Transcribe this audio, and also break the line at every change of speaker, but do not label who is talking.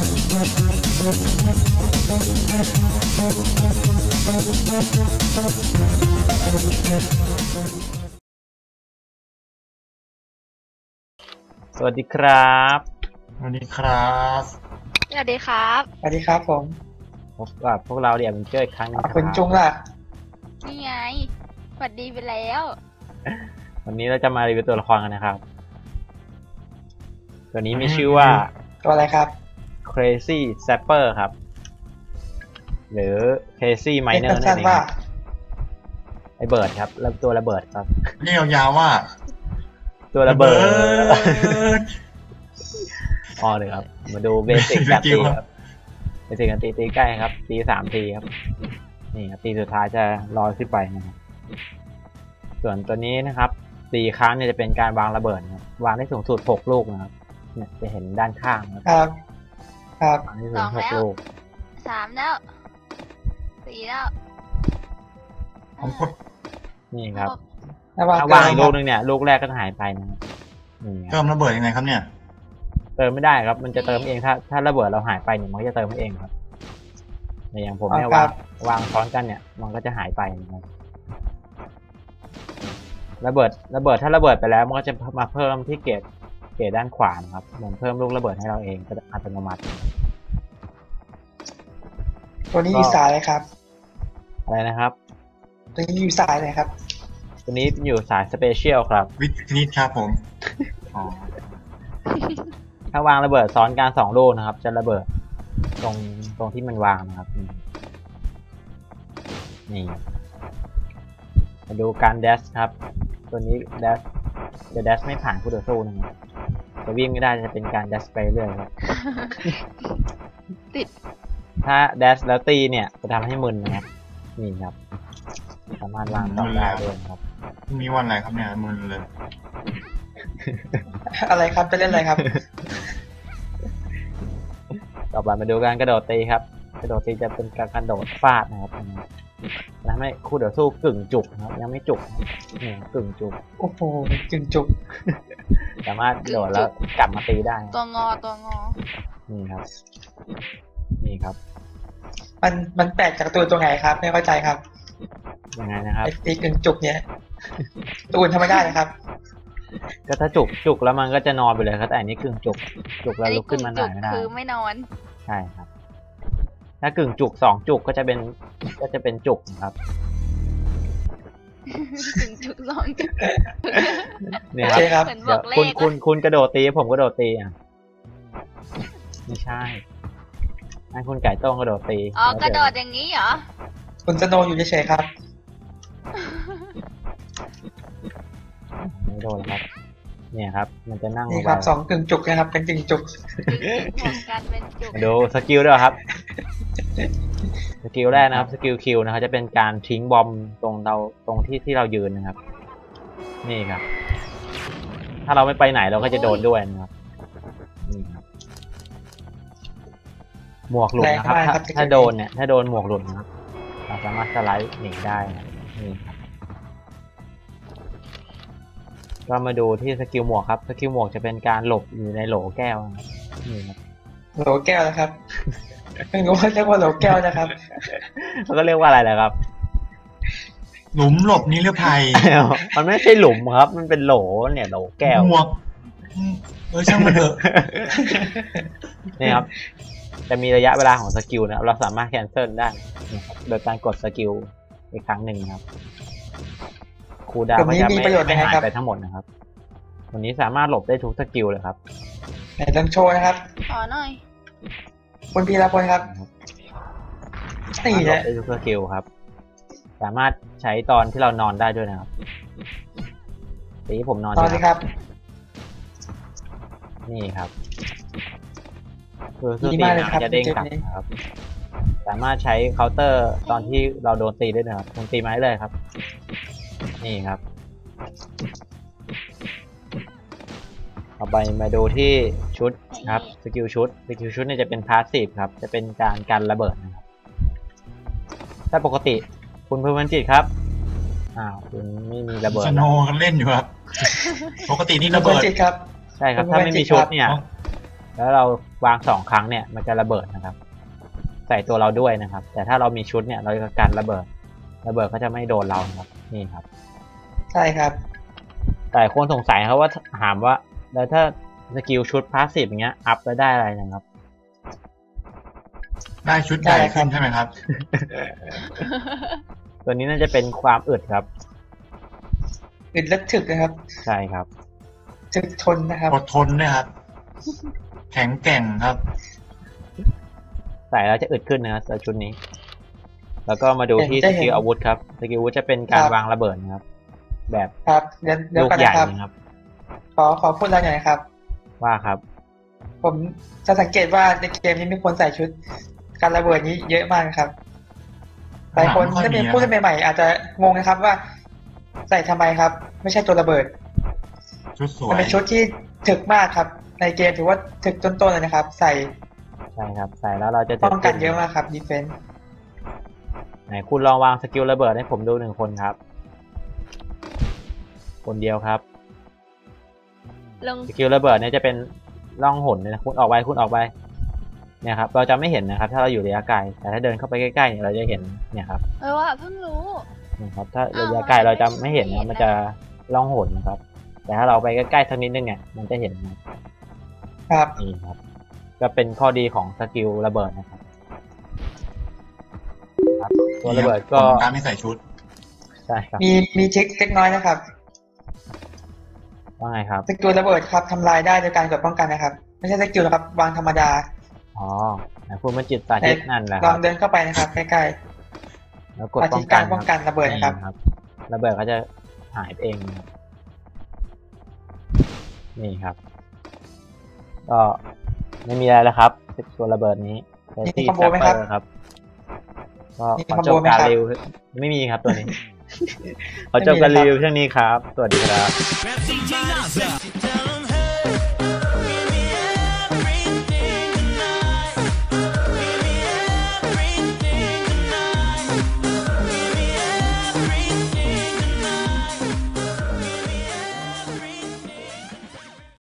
สวัสดีครับ
สวัสดีครับ
สวัสดีครับ
สวัสดีครับผม
พบกับพวกเราเดี๋ยวมันเจออีกครั้งนึงครับ
คุณจุงล่ะ
นี่ไงสวัสดีไปแล้ว
วันนี้เราจะมารีวิวตัวละครกันนะครับตัวนี้มีชื่อว่า
ตัวอะไรครับ
Crazy Zapper ครับหรือ Crazy Miner นั่นเองไอเบิร์ดครับแล้วตัวระเบิดครับ
เรียกยาวว่า
ตัวระเบิดอ๋อเลยครับมาดูเบสิกการตีครับเบสิกการตีใกล้ครับตี3 ทีครับนี่ครับตีสุดท้ายจะลอยขึ้นไปนะครับส่วนตัวนี้นะครับตีครั้งเนี่ยจะเป็นการวางระเบิดนะครับวางได้สูงสุด6 ลูกนะครับเนี่ยจะเห็นด้านข้าง
ครับครับ
วางได้สูง6 ลูก
3แล้ว4แล้ว
นี่ครับ
ถ้าว
างอีกลูกนึงเนี่ยลูกแรกก็หายไปนะครับ
เติมระเบิดยังไงครับเนี่ย
เติมไม่ได้ครับมันจะเติมเองถ้าระเบิดเราหายไปเนี่ยมันก็จะเติมเองครับในอย่างผมเนี่ยวางซ้อนกันเนี่ยมันก็จะหายไปนะครับระเบิดถ้าระเบิดไปแล้วมันก็จะมาเพิ่มที่เกรดด้านขวานะครับเหมือนเพิ่มลูกระเบิดให้เราเองก็อัตโนมัติ
ตัวนี้อยู่สายเลยครับ
อะไรนะครับ
ตัวนี้อยู่สายเลยครับ
ตัวนี้อยู่สายสเปเชียลครับ
วิทนิตครับผม
ถ้าวางระเบิดซ้อนกัน2 ลูกนะครับจะระเบิดตรงที่มันวางนะครับนี่มาดูการแดชครับตัวนี้แดชจะแดชไม่ผ่านคู่ต่อสู้นะครับจะวิ่งไม่ได้จะเป็นการแดชไปเรื่อยครับ
ติด
ถ้าแดชแล้วตีเนี่ยจะทำให้มึนนะครับนี่ครับสามารถวางต่อได้ด้วยครับ
มีวันอะไรครับเนี่ยมึนเลย
อะไรครับจะเล่นอะไรครับ
ต่อไปมาดูการกระโดดตีครับกระโดดตีจะเป็นการกระโดดฟาดนะครับทำให้คู่ต่อสู้กึ่งจุกนะครับยังไม่จุกนี่กึ่งจุก
โอ้โหกึ่งจุก
สามารถโดดแล้วกลับมาตีได้
ตัวงอ
นี่ครับ
มันแตกจากตัวไหนครับไม่เข้าใจครับ
ยังไงนะครับ
ตีกึ่งจุกเนี้ยตัวอื่นทำไม่ได้นะครับ
ก็ถ้าจุกแล้วมันก็จะนอนไปเลยครับแต่อันนี้กึ่งจุกแล้วลุกขึ้นมาหน่อยไม่ได้
คือไม่นอน
ใช่ครับถ้ากึ่งจุก2 จุกก็จะเป็นจุกครับ
กึ่งจุก2 จุก
เนี่ยครับเดี๋ยวคุณกระโดดตีผมกระโดดตีอ่ะไม่ใช่ให้คุณไก่ต้งกระโดดตี
อ๋อกระโดดอย่างนี้เหรอ
คุณสโนอยู่เฉยๆครับ
ไม่โดนครับเนี่ยครับมันจะนั่ง
นี่ครับ2 กึ่งจุกนะครับเป็นกึ่งจุก
ดูสกิลด้วยครับสกิลแรกนะครับสกิลคิวนะครับจะเป็นการทิ้งบอมตรงที่เรายืนนะครับนี่ครับถ้าเราไม่ไปไหนเราก็จะโดนด้วยนะครับนี่ครับหมวกหลุดนะครับถ้าโดนเนี่ยถ้าโดนหมวกหลุดนะครับเราสามารถสไลด์หนีได้นี่ครับก็มาดูที่สกิลหมวกครับสกิลหมวกจะเป็นการหลบอยู่ในโหลแก้วนี่ครับ
โหลแก้วนะครับไม่รู้ว่าเรียกว่าโหลแก้วนะครับ
เขาก็เรียกว่าอะไรแหละครับ
หลุมหลบนิรภัย
มันไม่ใช่หลุมครับมันเป็นโหลเนี่ยโหลแก้ว
หมวกช่างมันเถอะ
นี่ครับจะมีระยะเวลาของสกิลนะเราสามารถแคนเซิลได้โดยการกดสกิลอีกครั้งหนึ่งครับคูลดาวน์ก็จะไม่หายไปทั้งหมดนะครับวันนี้สามารถหลบได้ทุกสกิลเลยครับ
ไหนต้องโชว์นะครับ
ขอหน่อย
คุณพีรพลครับ
นี่แหละได้ทุกสกิลครับสามารถใช้ตอนที่เรานอนได้ด้วยนะครับทีนี้ผมนอน
ตอนนี้ครับ
นี่ครับคือตีน้ำจะเด้งกลับนะครับสามารถใช้เคาน์เตอร์ตอนที่เราโดนตีได้นะครับคุณตีมาได้เลยครับนี่ครับต่อไปมาดูที่ชุดครับสกิลชุดเนี่ยจะเป็นพาสซีฟครับจะเป็นการกันระเบิดนะครับถ้าปกติคุณเพิ่มมันจิตครับคุณไม่มีระเบิด
สโนกันเล่นอยู่ครับปกตินี่ระเบิด
จิตครับ
ใช่ครับถ้าไม่มีชุดเนี่ยแล้วเราวาง2 ครั้งเนี่ยมันจะระเบิดนะครับ ใส่ตัวเราด้วยนะครับ แต่ถ้าเรามีชุดเนี่ยเราจะกันระเบิดก็จะไม่โดนเราครับนี่ครับ
ใช่ครับ
แต่คนสงสัยครับว่าถามว่าแล้วถ้าสกิลชุดพาสซีฟอย่างเงี้ยอัพแล้วได้อะไรนะครับ
ได้ชุดใหญ่ขึ้นใช่ไหมครับ
ตัวนี้น่าจะเป็นความอึดครับ
อึดและถึกนะครับ
ใช่ครับ
ถึกทนนะครับ
อดทนด้วยครับ แข็งแกร่งครับ
ใส่แล้วจะอึดขึ้นนะครับชุดนี้ แล้วก็มาดูที่สกิลอาวุธครับสกิลอาวุธจะเป็นการวางระเบิดนะครับ แบบ
ครับเดี๋ยว
ลูก
กัน
ใหญ่
นะครับ
นะครับ
ขอพูดอะไรหน่อยนะครับ
ว่าครับ
ผมจะสังเกตว่าในเกมนี้มีคนใส่ชุดการระเบิดนี้เยอะมากครับหลายคน
ไม่ค่อย
ถ้าเป็น
มี
ผู้เล่นใหม่ๆอาจจะงงนะครับว่า ใส่ทำไมครับ ไม่ใช่ตัวระเบิด
ชุดสว
มัน
ย
เป็นชุดที่ถึกมากครับ ในเกมถือว่าถึกต้นๆเลยนะครับ ใส่
ใช่ครับ ใส่แล้วเราจะ
ป้องกันเยอะมากครับดีเฟนส์
ไหนคุณลองวางสกิลระเบิดให้ผมดู1 คนครับ คนเดียวครับ
ลง
สกิลระเบิดเนี่ยจะเป็นร่องหนเลยนะคุณออกไปเนี่ยครับเราจะไม่เห็นนะครับ ถ้าเราอยู่ระยะไกลแต่ถ้าเดินเข้าไปใกล้ๆเนี่ยเราจะเห็นเนี่ยครับ
ว่าเพิ่งรู้
นะครับถ้าระยะไกลเราจะไม่เห็นนะมันจะร่องหนนะครับ แต่ถ้าเราไปใกล้ๆสักนิดนึงเนี่ยมันจะเห็นนะครับ นี่ครับ ก็เป็นข้อดีของสกิลระเบิดนะครับครับตัวระเบิดก็
การไม่ใส่ชุด
ใช่ครับ
มีเช็คเล็กน้อยนะครับ
ว่าไงครับ
สกิลระเบิดครับทำลายได้โดยการกดป้องกันนะครับ ไม่ใช่สกิลนะครับ วางธรรมดา
อ๋อไหนคุณมันจิตสาธิตนั่นแหละ
ล
ค
อ
รั
ง
บ
เดินเข้าไปนะครับใกล้
แล้ว
ๆ
กด
อา
ป้
ทิ
อง
กา
กั
ร
น
ป้องกันระเบิดนะครับ
นี่ระเบิดก็จะหายไปเองนะครับนี่ครับ ก็ไม่มีอะไรแล้วครับตัวระเบิดนี้ใช้ที่
มีคอมโบไหมครับ
ครับ ก็
มี
ขอ
คอม
จ
โบบ ไหม
การ
ครับ
รีวิวไม่มีครับตัวนี้ ขอจบการรีวิวเช่นนี้ครับ สวัสดีครับ